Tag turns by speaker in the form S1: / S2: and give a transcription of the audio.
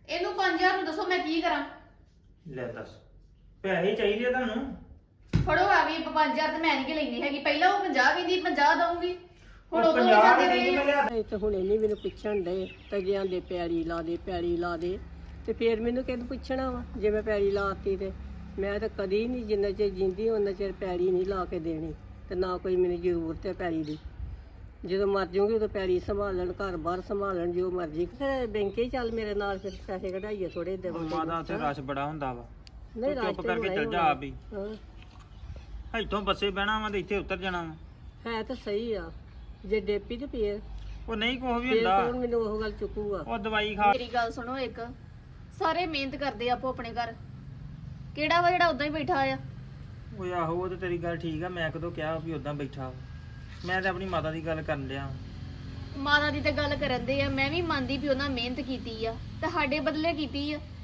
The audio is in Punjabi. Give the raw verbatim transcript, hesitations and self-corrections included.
S1: ਇਹਨੂੰ ਪੰਜ ਹਜ਼ਾਰ ਨੂੰ ਦੱਸੋ ਮੈਂ ਕੀ ਕਰਾਂ?
S2: ਲੈ ਦੱਸ ਪੈਸੇ ਚਾਹੀਦੇ ਆ ਤੁਹਾਨੂੰ?
S1: ਫੜੋ ਆ ਵੀ ਪੰਜ ਹਜ਼ਾਰ ਤੇ ਮੈਂ ਨਹੀਂ ਕਿ ਲੈਣੀ ਹੈਗੀ। ਪਹਿਲਾਂ ਉਹ ਪੰਜਾਹ ਕਹਿੰਦੀ ਪੰਜਾਹ ਦਊਂਗੀ, ਹੁਣ
S2: ਉਹ
S1: ਉਦੋਂ
S2: ਪੰਜਾਹ
S1: ਜਾਂਦੇ
S2: ਦੇ
S1: ਰਹੇ
S2: ਮੈਂ
S1: ਆ।
S2: ਲਿਆ
S3: ਇਹ ਤਾਂ ਹੁਣ ਇਹਨੇ ਮੈਨੂੰ ਪੁੱਛਣ ਦੇ ਤਜਿਆਂ ਦੇ ਪੈੜੀ ਲਾ ਦੇ ਪੈੜੀ ਲਾ ਦੇ ਤੇ ਫੇਰ ਮੈਨੂੰ ਕਿਹਨੂੰ ਪੁੱਛਣਾ ਵਾ ਜੇ ਮੈਂ ਪੈੜੀ ਲਾਤੀ ਤੇ ਮੈਂ ਤਾਂ ਕਦੀ ਨਹੀਂ ਜਿੰਨਾ ਚਿਰ ਜਿੰਦੀ ਉਹਨਾਂ ਚਿਰ ਪੈੜੀ ਨਹੀਂ ਲਾ ਕੇ ਦੇਣੀ ਤੇ ਨਾ ਕੋਈ ਮੈਨੂੰ ਜ਼ਰੂਰਤ ਹੈ ਪੈੜੀ ਦੀ। ਜਦੋਂ ਮਰ ਜਾਊਂਗੀ ਉਦੋਂ ਪੈੜੀ ਸੰਭਾਲਣ ਘਰ ਬਾਹਰ ਸੰਭਾਲਣ ਜੋ ਮਰਜ਼ੀ। ਫਿਰ ਬੈਂਕੇ ਹੀ ਚੱਲ ਮੇਰੇ ਨਾਲ ਫਿਰ ਪੈਸੇ ਕਢਾਈਏ ਥੋੜੇ ਦੇ
S2: ਮਾਦਾ ਉੱਥੇ ਰਸ਼ ਬੜਾ ਹੁੰਦਾ ਵਾ।
S3: ਨਹੀਂ
S2: ਤੂੰ ਚੁੱਪ
S3: ਰਾਸਤੇ
S2: ਕਰਕੇ ਚੱਲ ਜਾ ਆਪ ਹੀ।
S3: ਹਾਂ
S2: ਇੱਥੋਂ ਬੱਸੇ ਬਹਿਣਾ ਵਾ ਤੇ ਇੱਥੇ ਉਤਰ ਜਾਣਾ ਵਾ।
S3: ਹੈ ਤਾਂ ਸਹੀ ਆ ਜੇ ਡੇਪੀ ਤੇ ਫੇਰ
S2: ਉਹ ਨਹੀਂ ਕੁਛ ਵੀ
S3: ਫੇਰ
S2: ਹੁੰਦਾ।
S3: ਕੌਣ ਮੈਨੂੰ ਉਹ ਗੱਲ ਚੁੱਕੂਗਾ।
S2: ਉਹ ਦਵਾਈ ਖਾ।
S1: ਮੇਰੀ ਗੱਲ ਸੁਣੋ ਇੱਕ, ਸਾਰੇ ਮਿਹਨਤ ਕਰਦੇ ਆਪੋ ਆਪਣੇ ਘਰ, ਕਿਹੜਾ ਵਾ ਜਿਹੜਾ ਉਦਾਂ ਹੀ ਬੈਠਾ ਆ?
S2: ਓਏ ਆਹੋ ਉਹ ਤੇ ਤੇਰੀ ਗੱਲ ਠੀਕ ਆ। ਮੈਂ ਕਦੋਂ ਕਿਹਾ ਵੀ ਉਦਾਂ ਬੈਠਾ ਵਾ? ਮੈਂ ਤਾਂ ਆਪਣੀ ਮਾਤਾ ਦੀ ਗੱਲ ਕਰਨ ਡਿਆ।
S1: ਮਾਤਾ ਦੀ ਤਾਂ ਗੱਲ ਕਰਨ ਦੇ ਆ, ਮੈਂ ਵੀ ਮੰਨਦੀ ਵੀ ਉਹਨਾਂ ਮਿਹਨਤ ਕੀਤੀ ਆ ਤੇ ਸਾਡੇ ਬਦਲੇ ਕੀਤੀ ਆ।